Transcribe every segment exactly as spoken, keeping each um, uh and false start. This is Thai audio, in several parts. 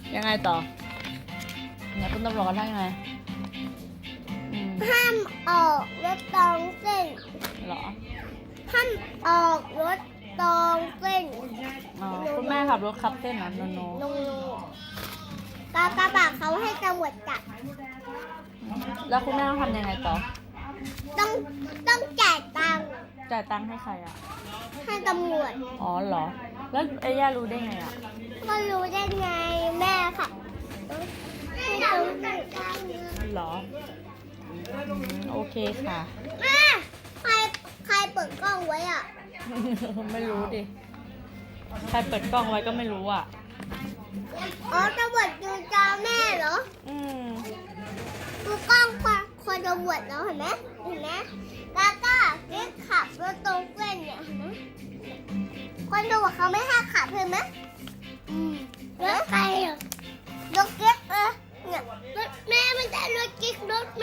ยังไงต่อเนี่ยคุณตำรวจว่ายังไงอืมห้ามออกรถตองเส้นเหรอห้ามออกรถตองเส้นอ๋อคุณแม่ขับรถขับเส้นเหรอโนโนลงลงกากระบะเขาให้ตำรวจจับแล้วคุณแม่ต้องทำยังไงต่อต้องต้องจ่ายตังค์จ่ายตังค์ให้ใครอ่ะให้ตำรวจอ๋อเหรอ แล้วไอ้ย่ารู้ได้ไงอ่ะก็รู้ได้ไงแม่ค่ะให้ตำรวจเหรออืมโอเคค่ะแม่ใครใครเปิดกล้องไว้อ่ะไม่รู้ดิ ใครเปิดกล้องไว้ก็ไม่รู้อ่ะอ๋อตำรวจดูจอแม่เหรออืมดูกล้องคนคนตำรวจแล้วเห็นไหมเห็นไหมแล้วก็เรียกขับรถตรงเส้นเนี่ยเห็นไหมคนตำรวจเขาไม่ให้ขับเห็นไหมอืมรถใครอ่ะรถเก๊กเออเนี่ยรถแม่ไม่ใช่รถกิ๊กรถแม่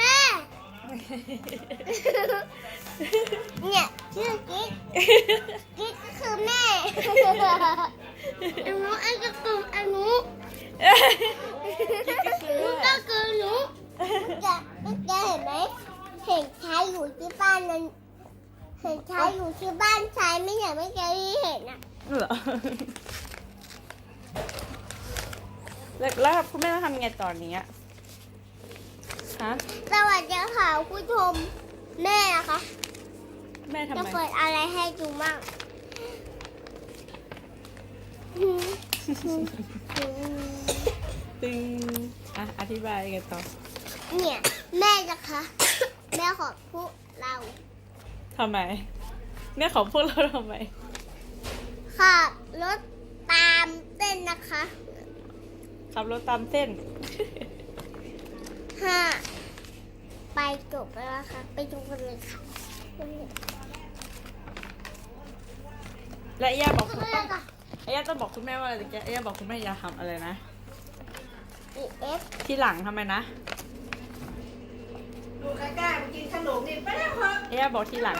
เนี่ยชื่อกิ๊กกิ๊กก็คือแม่อันนู้นอันก็คืออันนู้นนู้นก็คือหนูจะจะเห็นไหมเห็นชายอยู่ที่บ้านนั้นเห็นชายอยู่ที่บ้านชายไม่เห็นไม่เคยเห็นอ่ะเหรอ แล้วแล้วคุณแม่ต้องทำยังไงตอนนี้อะฮะสวัสดีค่ะผู้ชมแม่นะคะแม่ทำจะไมเปิดอะไรให้ดูมั่งตึงอ่ะอธิบายกันต่อเนี่ยแม่นะคะ แม่ของพวกเราทำไม แม่ของพวกเราทำไมขับรถตามเส้นนะคะขับรถตามเส้นห้าไปจบแล้วนะคะไปดูกันเลยค่ะและไอ้ย่าบอกดูคุณกันเลยค่ะไอ้ย่าต้องบอกคุณแม่ว่าอะไรตะกี้ไอ้ย่าบอกคุณแม่อย่าทำอะไรนะอีเอฟทีหลังทำไมนะดูกล้าๆมากินขนมนี่ไปแล้วเหรอไอ้ย่าบอกทีหลัง